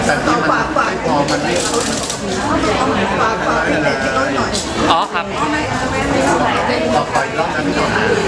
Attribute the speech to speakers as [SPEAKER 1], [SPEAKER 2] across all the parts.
[SPEAKER 1] แต่ที่มันไม่พอมันไม่
[SPEAKER 2] อ๋อครับ
[SPEAKER 1] ต่อไปรอบนั้นก่อน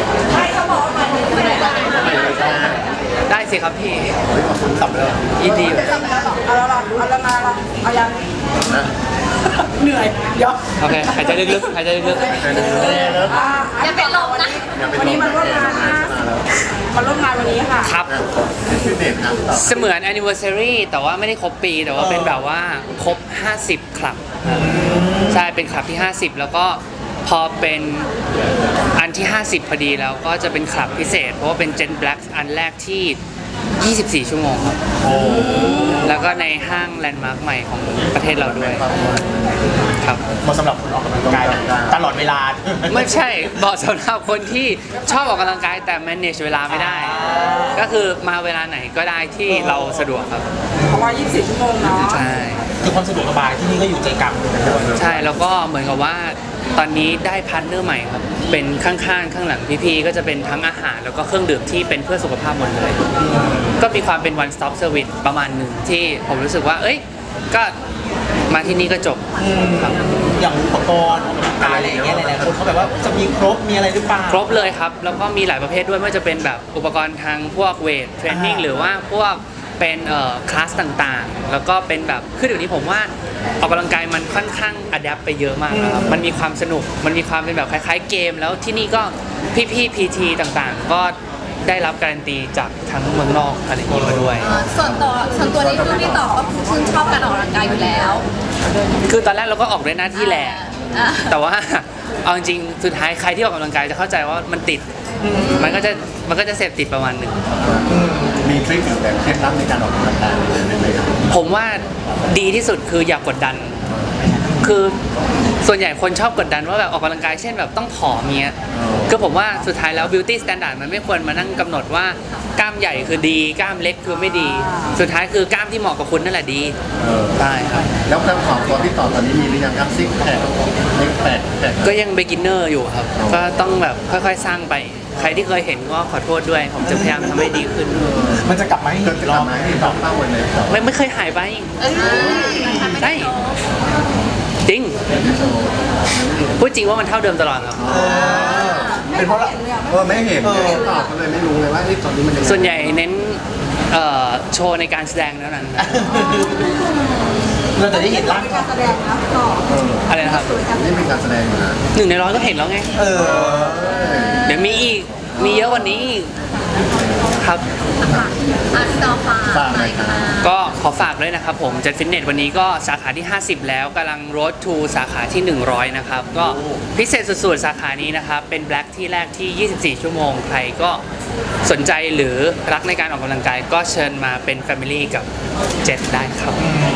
[SPEAKER 2] ได้สิครับพี่
[SPEAKER 1] ขอบคุณสับเลย
[SPEAKER 2] ยินดี
[SPEAKER 3] เอาละมาเอายัง
[SPEAKER 1] นะ
[SPEAKER 3] เหนื่อยเดี๋ยว
[SPEAKER 2] โอเคหายใจลึกๆหายใจลึก
[SPEAKER 3] อย่าเป็นลมนะวันนี้มันร่วมงานนะมาร่วมงานวันนี้ค่ะ
[SPEAKER 2] ๆครับ
[SPEAKER 1] ฟิตเนสครับต่อ
[SPEAKER 2] เสมือน anniversary แต่ว่าไม่ได้ครบปีแต่ว่าเป็นแบบว่าครบ50คลับใช่เป็นคลับที่50แล้วก็พอเป็นอันที่50พอดีแล้วก็จะเป็นคลับพิเศษเพราะว่าเป็น Gen Black อันแรกที่24ชั่วโมงครับแล้วก็ในห้างแลนด์มาร์คใหม่ของประเทศเราด้วยครับ
[SPEAKER 4] เหมาะสำหรับคนออกกำลังกายตลอดเวลา
[SPEAKER 2] ไม่ใช่บอกสำหรับคนที่ชอบออกกำลังกายแต่ manage เวลาไม่ได้ ก็คือมาเวลาไหนก็ได้ที่เราสะดวกครับ
[SPEAKER 3] เพราะว่า24ชั่วโมงเนาะ
[SPEAKER 2] ใช่
[SPEAKER 4] คือความสะดวกสบายที่นี่ก็อยู่ใจกลาง
[SPEAKER 2] ใช่แล้วก็เหมือนกับว่าตอนนี้ได้พาร์ทเนอร์ใหม่ครับเป็นข้างๆข้างหลังพี่ๆก็จะเป็นทั้งอาหารแล้วก็เครื่องดื่มที่เป็นเพื่อสุขภาพหมดเลย ก็มีความเป็น one stop service ประมาณหนึ่งที่ผมรู้สึกว่าเอ้ยก็มาที่นี่ก็จบครับ
[SPEAKER 4] อย่างอุปกรณ์ออกกำลังกายอะไรอย่างเงี้ยหลายๆคนเขาแบบว่าจะมีครบมีอะไรหรือเปล่า
[SPEAKER 2] ครบเลยครับ แล้วก็มีหลายประเภทด้วยไม่ว่าจะเป็นแบบอุปกรณ์ทางพวกเวทเทรนนิ่งหรือว่าพวกเป็นคลาสต่างๆ แล้วก็เป็นแบบคือเดี๋ยวนี้ผมว่าออกกำลังกายมันค่อนข้างอัดแอปไปเยอะมากนะครับมันมีความสนุกมันมีความเป็นแบบคล้ายๆเกม แล้วที่นี่ก็พี่ๆ PT ต่างๆ ก็ได้รับการันตีจากทั้งเมืองนอกอะไรอย่างนี้มาด้วย
[SPEAKER 5] ส่วนตัวนี้คือพี่ต่อก็คือชื่นชอบการออกกำลังกายอยู่แล้ว
[SPEAKER 2] คือตอนแรกเราก็ออกด้วยหน้าที่แหละ
[SPEAKER 5] อ่า
[SPEAKER 2] แต่ว่าเอาจริงๆสุดท้ายใครที่ออกกำลังกายจะเข้าใจว่ามันติดมันก็จะเสพติดประมาณหนึ่ง
[SPEAKER 1] มีทริคหรือแบบเคล็ดลับในการออกกำลังกายได้ไหมครับ
[SPEAKER 2] ผมว่าดีที่สุดคืออย่ากกดดัน คือส่วนใหญ่คนชอบกดดันว่าแบบออกกำลังกายเช่นแบบต้องผอมเงี้ยก็ผมว่าสุดท้ายแล้ว beauty standard มันไม่ควรมานั่งกำหนดว่ากล้ามใหญ่คือดีกล้ามเล็กคือไม่ดี สุดท้ายคือกล้ามที่เหมาะกับคุณนั่นแหละดีใช่ครับ
[SPEAKER 1] แล้วการของตัวพี่ต่อตอนนี้มีหรือยังครับซิกแพคเล็กแพค
[SPEAKER 2] ก็ยัง beginner อยู่ครับ ก็ต้องแบบค่อยๆสร้างไป ใครที่เคยเห็นก็ขอโทษด้วย ผมจะพยายามทำให้ดีขึ้น
[SPEAKER 4] มันจะกลับมาให้
[SPEAKER 1] เกิ
[SPEAKER 4] เห็
[SPEAKER 1] ด
[SPEAKER 4] น
[SPEAKER 1] จะ
[SPEAKER 4] รอบ
[SPEAKER 1] ทำให้ต่อเป้าวันไหนต่อ
[SPEAKER 2] ไม่เคยหายไปใช่จริงพูดจริงว่ามันเท่าเดิมตลอดครับ
[SPEAKER 4] เป็นเพราะเรา
[SPEAKER 1] ไม่เห็นต่อก็เลยไม่รู้เลยว่าตอนนี้มันยังไง
[SPEAKER 2] ส่วนใหญ่เน้นโชว์ในการแสดงเท่านั้น
[SPEAKER 4] เราจะได้เห็นร่าง
[SPEAKER 3] การแสดงนะต่อ
[SPEAKER 2] อะไรนะครับ
[SPEAKER 1] นี่เป็นการแสดงอยู่นะ
[SPEAKER 2] 1 ใน 100ก็เห็นแล้วไง
[SPEAKER 4] เออ
[SPEAKER 2] เดี๋ยวมีอีก มีเยอะกว่านี้อีกครับ
[SPEAKER 5] พี่ต่อฝากหน่อยค่ะ
[SPEAKER 2] ก็ขอฝากด้วยนะครับผมจัดฟิตเนสวันนี้ก็สาขาที่ 50 แล้วกำลัง road to สาขาที่ 100 นะครับ ก็พิเศษสุดๆ สาขานี้นะครับ เป็นแบล็กที่แรกที่ 24 ชั่วโมง ใครก็สนใจหรือรักในการออกกำลังกาย ก็เชิญมาเป็น Family กับเจ็ดได้ครับ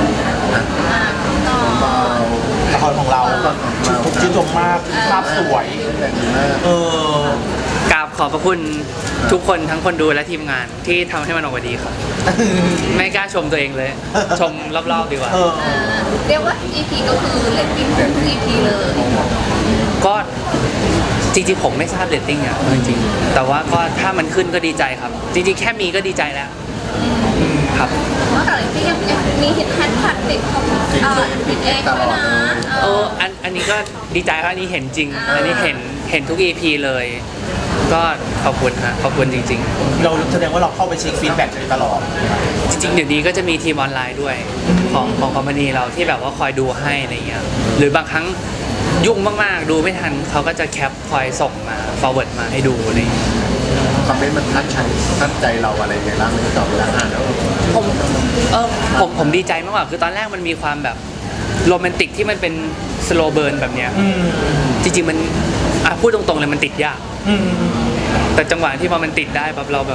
[SPEAKER 1] เบา
[SPEAKER 4] ละครของเราถูกชื่นชมมากภาพสวย
[SPEAKER 1] แต่ดีมาก
[SPEAKER 4] เออ
[SPEAKER 2] กราบขอบพระคุณทุกคนทั้งคนดูและทีมงานที่ทำให้มันออกมาดีครับ ไม่กล้าชมตัวเองเลย ชมรอบๆดีกว่า
[SPEAKER 4] เออ
[SPEAKER 5] เรียกว่า EP ก็คือเลตติ้งทุก EP เลย
[SPEAKER 2] ก็จริงๆผมไม่ทราบเรตติ้งอ่ะจริงๆแต่ว่าก็ถ้ามันขึ้นก็ดีใจครับ จริงๆแค่มีก็ดีใจแล้วครับ
[SPEAKER 5] นอกจากเลตติ้งยังมีเห็นแฮชแท็กติดของติดเองด้วยนะ
[SPEAKER 2] อันนี้ก็ดีใจครับอันนี้เห็นจริง อันนี้เห็นทุก EP เลย ก็ขอบคุณฮะขอบคุณจริง
[SPEAKER 4] เราแสดงว่าเราเข้าไปเช็คฟีดแบ็กตลอด
[SPEAKER 2] ๆ จริงๆเดี๋ยวนี้ก็จะมีทีมออนไลน์ด้วยของคอมพานีเราที่แบบว่าคอยดูให้อะไรเงี้ยหรือบางครั้งยุ่งมากๆ ดูไม่ทันเขาก็จะแคปคอยส่งมา forward มาให้ดูอะไรเงี้ย
[SPEAKER 1] คอมเมนต์มันทัดใจเราอะไรไงบ้างไม่ตอบเวลาอ่านแล้ว
[SPEAKER 2] ผมดีใจมากกว่าคือตอนแรกมันมีความแบบโรแมนติกที่มันเป็นสโลเบิร์นแบบเนี้ยจริงๆมันพูดตรงๆเลยมันติดยากแต่จังหวะที่พอมันติดได้แบบเรา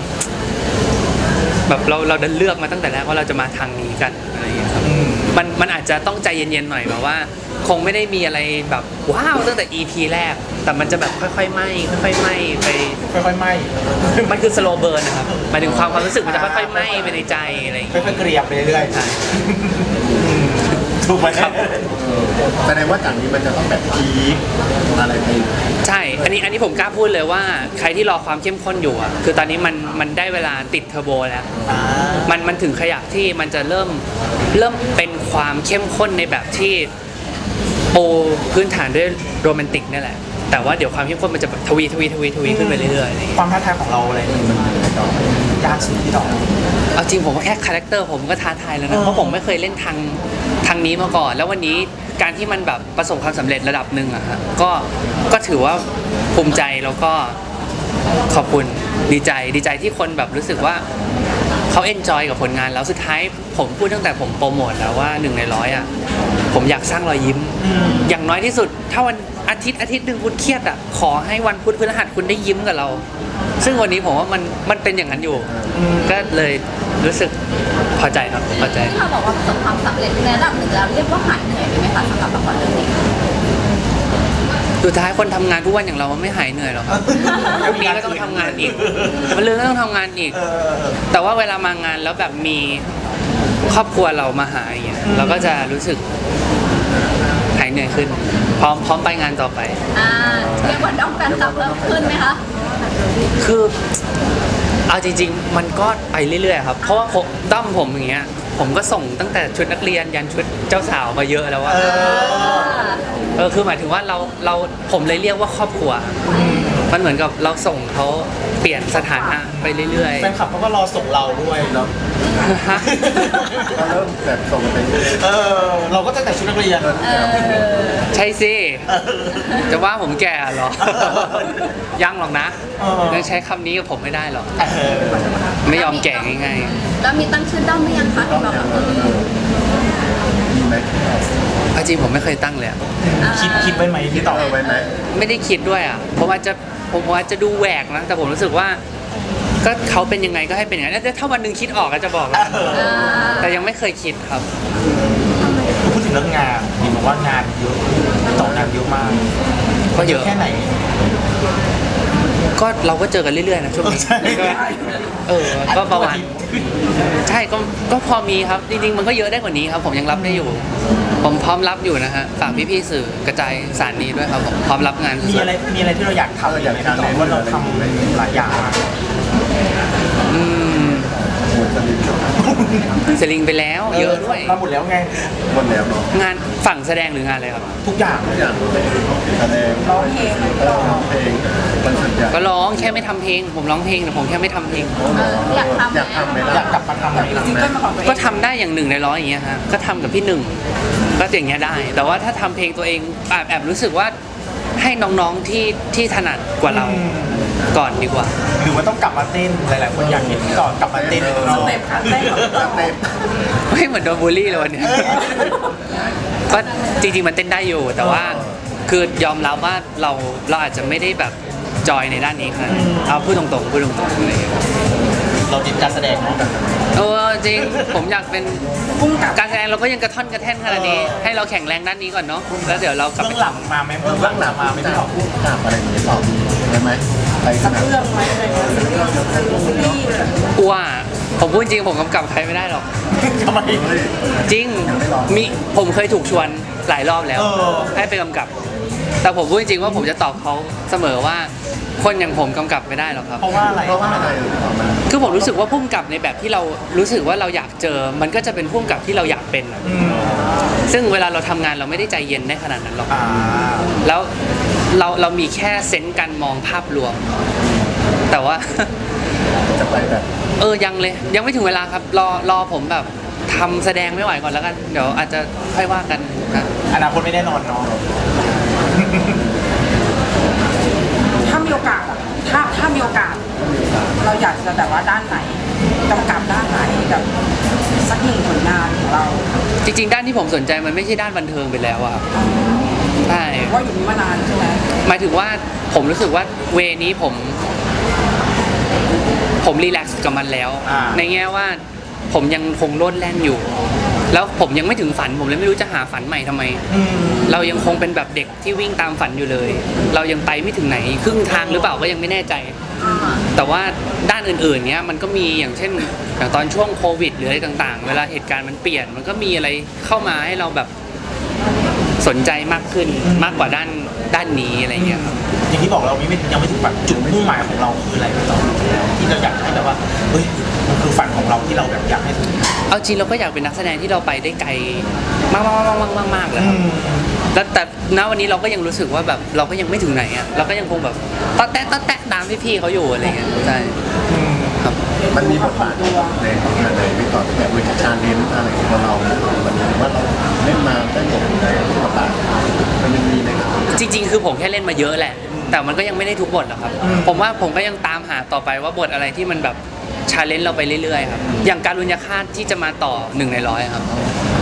[SPEAKER 2] เราดันเลือกมาตั้งแต่แรกว่าเราจะมาทางนี้กันอะไรอย่างเงี้ยครับมันอาจจะต้องใจเย็นๆหน่อยแบบว่า คงไม่ได้มีอะไรแบบว้าวตั้งแต่ EP แรก แต่มันจะแบบค่อยๆไหม้ค่อยๆไหม้ไป
[SPEAKER 4] ค่อยๆไหม
[SPEAKER 2] มันคือสโลเบิร์นนะครับหมายถึงความรู้สึกมันจะค่อยๆไหม้ไปในใจอะไรอย่างเงี้ย
[SPEAKER 4] ค่อยๆเกรียบไปเรื่อย
[SPEAKER 2] ใช่
[SPEAKER 4] ๆถูกไหมครับ
[SPEAKER 1] แสดงว่าจากนี้มันจะต้องแบบพีคอะไรไป
[SPEAKER 2] ใช่ อันนี้ผมกล้าพูดเลยว่าใครที่รอความเข้มข้นอยู่อ่ะ คือตอนนี้มันได้เวลาติดเทอร์โบแล้ว มันถึงขยักที่มันจะเริ่มเป็นความเข้มข้นในแบบที่ปูพื้นฐานด้วยโรแมนติกนี่แหละ แต่ว่าเดี๋ยวความเข้มข้นมันจะแบบทวีขึ้นไปเรื่อยๆอะไรอย่างเงี้ย
[SPEAKER 4] ความท้าทายของเราอะไรนี่มันยากสุดที่ต่อ
[SPEAKER 2] เอาจริงผมว่าแค่คาแรคเตอร์ผมก็ท้าทายแล้วนะ เพราะผมไม่เคยเล่นทางนี้มาก่อน แล้ววันนี้การที่มันแบบประสบความสำเร็จระดับหนึ่งอะฮะก็ถือว่าภูมิใจแล้วก็ขอบคุณดีใจที่คนแบบรู้สึกว่าเขาเอนจอยกับผลงานแล้วสุดท้ายผมพูดตั้งแต่ผมโปรโมทแล้วว่า1 ใน 100อะผมอยากสร้างรอยยิ้ม อย่างน้อยที่สุดถ้าวันอาทิตย์หนึ่งคุณเครียดอะขอให้วันพุธพฤหัสคุณได้ยิ้มกับเรา ซึ่งวันนี้ผมว่ามันเป็นอย่างนั้นอยู่ ก็เลยรู้สึกพอใจครับพอใจ
[SPEAKER 5] ที่เราบอกว่าประสบความสำเร็จในระดับหนึ่งแล้วเรียกว่าหายเหนื่อยไหมคะสำหรับละครเรื่องนี้
[SPEAKER 2] สุดท้ายคนทำงานทุกวันอย่างเรามันไม่หายเหนื่อยหรอกครับ พรุ่งนี้ก็ต้องทำงานอีกวันรืนก็ต้องทำงานอีก แต่ว่าเวลามางานแล้วแบบมีครอบครัวเรามาหาอย่างเงี้ยเราก็จะรู้สึกหายเหนื่อยขึ้น พร้อมไปงานต่อไป
[SPEAKER 5] เรียกว่าด้อมแฟนคลับเพิ่มขึ้นไหมคะ
[SPEAKER 2] คือเอาจริงๆ มันก็ไปเรื่อยๆครับ เพราะว่าด้อมผมอย่างเงี้ย ผมก็ส่งตั้งแต่ชุดนักเรียนยันชุดเจ้าสาวมาเยอะแล้วว่าคือหมายถึงว่าผมเลยเรียกว่าครอบครัว มันเหมือนกับเราส่งเขาเปลี่ยนสถานะไปเรื่อย
[SPEAKER 4] แฟนคลับเขาก็รอส่งเราด้วยเนาะ
[SPEAKER 2] ๆ ฮะ
[SPEAKER 1] ก็เริ่มแบบส่งไปเรื่อย
[SPEAKER 4] เราก็ตั้งแต่ชุดนักเรียน
[SPEAKER 2] ใช่สิ จะว่าผมแก่เหรอ ยังหรอกนะ ยังใช้คำนี้กับผมไม่ได้หรอก ไม่ยอมแก่ง่าย
[SPEAKER 5] แล้วมีตั้งชื่อด้อมหรือยังคะที่บอกแบบ
[SPEAKER 1] ๆมีไหม
[SPEAKER 2] ๆเอาจริงผมไม่เคยตั้งเลยอะ
[SPEAKER 4] คิดไว้ไหมพี่ต่อ
[SPEAKER 1] ไว้ไหม
[SPEAKER 2] ไม่ได้คิดด้วยอ่ะผมอาจจะดูแหวกนะ แต่ผมรู้สึกว่า ก็เขาเป็นยังไงก็ให้เป็นอย่างนั้นแล้วถ้าวันหนึ่งคิดออกก็จะบอกแล้วแต่ยังไม่เคยคิดครับ
[SPEAKER 4] พูดถึงเรื่องงานเห็นบอกว่างานเยอะต่องานเยอะมาก
[SPEAKER 2] ก็เยอะ
[SPEAKER 4] แค่ไหน
[SPEAKER 2] ก็เราก็เจอกันเรื่อยๆนะช่วงนี้
[SPEAKER 4] ใช่
[SPEAKER 2] ก็ประมาณใช่ก็พอมีครับจริงๆมันก็เยอะได้กว่านี้ครับ ผมยังรับได้อยู่ ผมพร้อมรับอยู่นะฮะฝากพี่ๆสื่อกระจายสารนี้ด้วยครับผมพร้อมรับงาน
[SPEAKER 4] มีอะไรที่เราอยากทำอย่างไรพี่ต่อว่าเราทำหลายอย่างมาก
[SPEAKER 2] อืม
[SPEAKER 1] หมดสลิป
[SPEAKER 2] สลิงไปแล้วเยอะด้วย
[SPEAKER 4] มาหมดแล้วไง
[SPEAKER 1] หมดแล้วเนาะ
[SPEAKER 2] งานฝั่งแสดงหรืองานอะไรครับ
[SPEAKER 4] ทุกอย่าง
[SPEAKER 1] ทุกอย่างแสดง
[SPEAKER 3] ร้องเพลง
[SPEAKER 1] เพลงคอนเสิร์ตใหญ่
[SPEAKER 2] ก็ร้องแค่ไม่ทำเพลง ผมร้องเพลงแต่ผมแค่ไม่ทำเพลง
[SPEAKER 5] อยากทำ
[SPEAKER 1] อยากทำไหม
[SPEAKER 4] อยา
[SPEAKER 1] ล่ะ
[SPEAKER 4] กกลับมาทำอะไร
[SPEAKER 3] ซิงเกิลมาของตัวเอง
[SPEAKER 2] ก็ทำได้อย่าง1 ใน 100อย่างเงี้ยฮะก็ทำกับพี่หนึ่งก็อย่างเงี้ยได้ แต่ว่าถ้าทำเพลงตัวเองแอบรู้สึกว่าให้น้องๆที่ถนัดกว่าเราก่อนดีกว่า
[SPEAKER 4] หรือว่าต้องกลับมาเต้นหลายๆคนอยากเห็นพี่ต่อกลับมาเต้น
[SPEAKER 3] สเต็ปค่ะเต้นของ
[SPEAKER 1] เต้น
[SPEAKER 2] ไม่เหมือนโดนบูลลี่เลยวันเนี้ยก็จริงๆมันเต้นได้อยู่ แต่ว่าคือยอมรับว่าเราอาจจะไม่ได้แบบจอยในด้านนี้ขนาดนั้นเอาพูดตรงๆอะไรอย่างเงี้ย
[SPEAKER 4] เราติดการแสดงเนาะ
[SPEAKER 2] จริงผมอยากเป็น
[SPEAKER 3] พุ่งกับ
[SPEAKER 2] การแสดงเราก็ยังกระท่อนกระแท่นขนาดนี้ ให้เราแข็งแรงด้านนี้ก่อนเนาะแล้วเดี๋ยวเรากลับ
[SPEAKER 4] เบื้
[SPEAKER 2] ไป
[SPEAKER 4] องหลังมาไหมเบื้องหลังมาไหมพี่ต่อ
[SPEAKER 1] พูดถามอะไรอย่างเงี้ยตอบได้ไหมไปขนาด
[SPEAKER 3] เรื่องไหมอะไรเงี้ยซีรีส์
[SPEAKER 2] กลัวผมพูดจริงผมกำกับใครไม่ได้หรอก
[SPEAKER 4] ทำไม
[SPEAKER 2] จริงมีผมเคยถูกชวนหลายรอบแล้ว ให้ไปกำกับ แต่ผมพูดจริงว่าผมจะตอบเขาเสมอว่า คนอย่างผมกำกับไม่ได้หรอกครับ
[SPEAKER 4] เพราะว่าอะไร
[SPEAKER 1] เพราะว่าอะไรตอบมา
[SPEAKER 2] คือผมรู้สึกว่าพุ่มกับในแบบที่เรารู้สึกว่าเราอยากเจอ มันก็จะเป็นพุ่มกับที่เราอยากเป็นอะ
[SPEAKER 4] อืม
[SPEAKER 2] ซึ่งเวลาเราทำงานเราไม่ได้ใจเย็นได้ขนาดนั้นหรอก
[SPEAKER 4] อ่า
[SPEAKER 2] แล้วเรามีแค่เซนส์การมองภาพรวม แต่ว่า
[SPEAKER 1] จะไปแบบ
[SPEAKER 2] ยังเลยยังไม่ถึงเวลาครับรอผมแบบทำแสดงไม่ไหวก่อนแล้วกันเดี๋ยวอาจจะค่อยว่ากันนะ
[SPEAKER 4] อนาคตไม่แน่นอนเนาะ
[SPEAKER 3] ถ้ามีโอกาสอะถ้ามีโอกาส เราอยากจะแบบว่าด้านไหนกำกับด้านไหนแบบสักหนึ่งผลงานของเรา
[SPEAKER 2] จริงๆด้านที่ผมสนใจมันไม่ใช่ด้านบันเทิงไปแล้วอะครับใช่
[SPEAKER 3] ว่าอยู่นี้มานานใช่ไหม
[SPEAKER 2] หมายถึงว่าผมรู้สึกว่าเวนี้ผมรีแลกซ์กับมันแล้ว ในแง่ว่าผมยังคงโลดแล่นอยู่ แล้วผมยังไม่ถึงฝันผมเลยไม่รู้จะหาฝันใหม่ทำไม เรายังคงเป็นแบบเด็กที่วิ่งตามฝันอยู่เลย เรายังไปไม่ถึงไหนครึ่งทางหรือเปล่าก็ยังไม่แน่ใจ แต่ว่าด้านอื่นๆเนี้ยมันก็มีอย่างเช่นอย่างตอนช่วงโควิดหรืออะไรต่างๆ เวลาเหตุการณ์มันเปลี่ยนมันก็มีอะไรเข้ามาให้เราแบบสนใจมากขึ้นมากกว่าด้านนี้อะไรเงี้ยครับ
[SPEAKER 4] อย่างที่บอกเรายังไม่ถึงฝันจุดมุ่งหมายของเราคืออะไรพี่ต่อที่เราอยากให้แบบว่าเฮ้ยมันคือฝันของเราที่เราแบบอยากให้ถึง
[SPEAKER 2] เอาจริงเราก็อยากเป็นนักแสดงที่เราไปได้ไกลมากๆเลยครับแล้วแต่ณวันนี้เราก็ยังรู้สึกว่าแบบเราก็ยังไม่ถึงไหนอ่ะเราก็ยังคงแบบต๊อดแตะตามพี่ๆเขาอยู่อะไรเงี้ยใช่ครับ
[SPEAKER 1] มันมีบทบาทในของงานในพี่ต่อที่แบบเป็นชาเลนจ์อะไรของเราวันนี้ว่าเราเล่นมาได้หมดในบทบาทมันยังมีในครับ
[SPEAKER 2] จริงๆ คือผมแค่เล่นมาเยอะแหละ แต่มันก็ยังไม่ได้ทุกบทหรอกครับ ผมว่าผมก็ยังตามหาต่อไปว่าบทอะไรที่มันแบบชาเลนจ์เราไปเรื่อยๆครับ อย่างการุญยฆาตที่จะมาต่อ1 ใน 100ครับ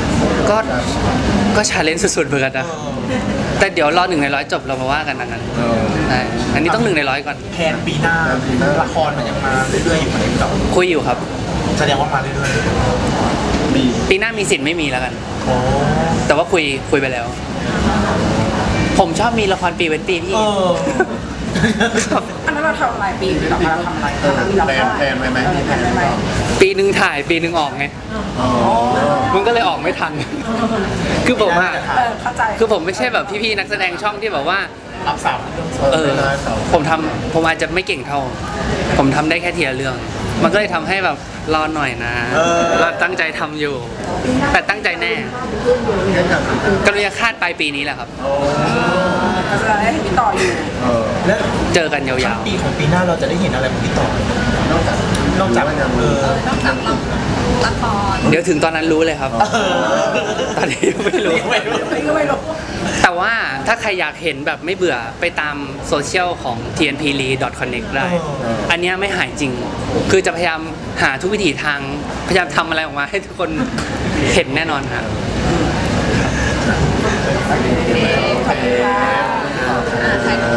[SPEAKER 2] ก็ชาเลนจ์สุดๆเหมือนกันนะ แต่เดี๋ยวรอ1 ใน 100จบเรามาว่ากันดังนั้นใช่อันนี้ต้อง1 ใน 100ก่อน
[SPEAKER 4] แผนปีหน้าละครมันยังมาเรื่อยๆอยู่ไหมพี่ต่อ
[SPEAKER 2] คุยอยู่ครับ
[SPEAKER 4] แสดงว่ามาเรื่อย
[SPEAKER 1] มี
[SPEAKER 2] ปีหน้ามีสิทธิ์ไม่มีแล้วกัน
[SPEAKER 4] ๆโอ้
[SPEAKER 2] แต่ว่าคุยไปแล้ว ผมชอบมีละครปีเว้นปีพี่
[SPEAKER 3] อันนั้นเราทำอะไรปีต่อมาเราทำอะไรมีละคร
[SPEAKER 1] แพลนไว้ไหมมีแพลนไว้ไหม
[SPEAKER 2] ปีหนึ่งถ่ายปีหนึ่งออกไง
[SPEAKER 1] อ๋อ
[SPEAKER 2] มันก็เลยออกไม่ทัน คือผมอะ
[SPEAKER 3] เข้าใจ
[SPEAKER 2] คือผมไม่ใช่แบบพี่ๆนักแสดงช่องที่แบบว่า
[SPEAKER 4] รับสามเรื่อง
[SPEAKER 2] ผมอาจจะไม่เก่งเท่า ผมทำได้แค่ทีละเรื่อง มันก็เลยทำให้แบบรอหน่อยนะเราตั้งใจทำอยู่ แต่ตั้งใจแน่
[SPEAKER 1] แค่อยาก
[SPEAKER 2] กรุณาคาดปลายปีนี้แหละครับ
[SPEAKER 3] ก็จะได้ให้พี่ต่ออยู่
[SPEAKER 4] แล้ว
[SPEAKER 2] เจอกันยาว
[SPEAKER 4] ปีของปีหน้าเราจะได้เห็นอะไรของพี่ต่อน
[SPEAKER 1] อกจาก
[SPEAKER 4] นอกจาก
[SPEAKER 1] ยัง
[SPEAKER 5] นอกจากละคร
[SPEAKER 2] ๆ เดี๋ยวถึงตอนนั้นรู้เลยครับ ตอนนี้ยังไม่รู้
[SPEAKER 3] นี่ก็ไม่รู้
[SPEAKER 2] แต่ว่าถ้าใครอยากเห็นแบบไม่เบื่อไปตามโซเชียลของ tnpli.connect ได้ อันเนี้ยไม่หายจริง คือจะพยายามหาทุกวิถีทาง พยายามทำอะไรออกมาให้ทุกคนเห็นแน่นอนครับ
[SPEAKER 3] ขอบคุณค่ะ